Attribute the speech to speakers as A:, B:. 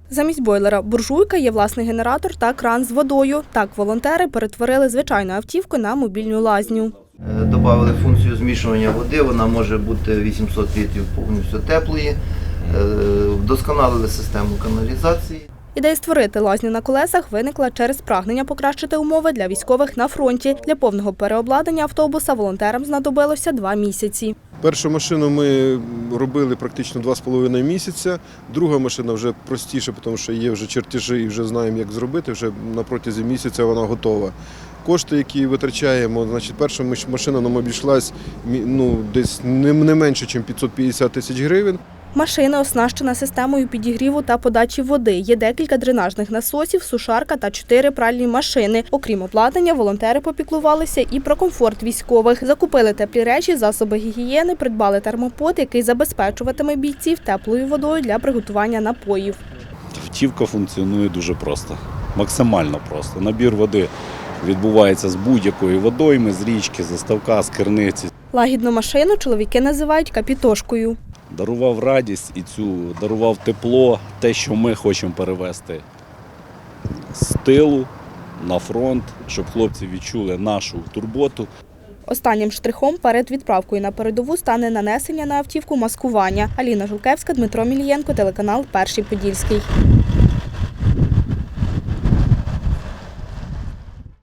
A: Замість бойлера буржуйка є власний генератор та кран з водою. Так волонтери перетворили звичайну автівку на мобільну лазню.
B: Добавили функцію змішування води, вона може бути 800 літрів повністю теплої. Вдосконалили систему каналізації.
A: Ідея створити лазню на колесах виникла через прагнення покращити умови для військових на фронті. Для повного переобладнання автобуса волонтерам знадобилося 2 місяці.
C: Першу машину ми робили практично 2,5 місяця. Друга машина вже простіше, тому що є вже чертежі і вже знаємо, як зробити. Вже на протязі місяця вона готова. Кошти, які витрачаємо, перша машина нам обійшлась десь не менше, ніж 550 тисяч гривень.
A: Машина оснащена системою підігріву та подачі води. Є декілька дренажних насосів, сушарка та 4 пральні машини. Окрім обладнання, волонтери попіклувалися і про комфорт військових. Закупили теплі речі, засоби гігієни, придбали термопод, який забезпечуватиме бійців теплою водою для приготування напоїв.
D: Автівка функціонує дуже просто, максимально просто. Набір води відбувається з будь-якої водойми, з річки, з ставка, з криниці.
A: Лагідну машину чоловіки називають капітошкою.
D: Дарував радість і дарував тепло, те, що ми хочемо перевести з тилу на фронт, щоб хлопці відчули нашу турботу.
A: Останнім штрихом перед відправкою на передову стане нанесення на автівку маскування. Аліна Жулкевська, Дмитро Мілієнко, телеканал «Перший Подільський».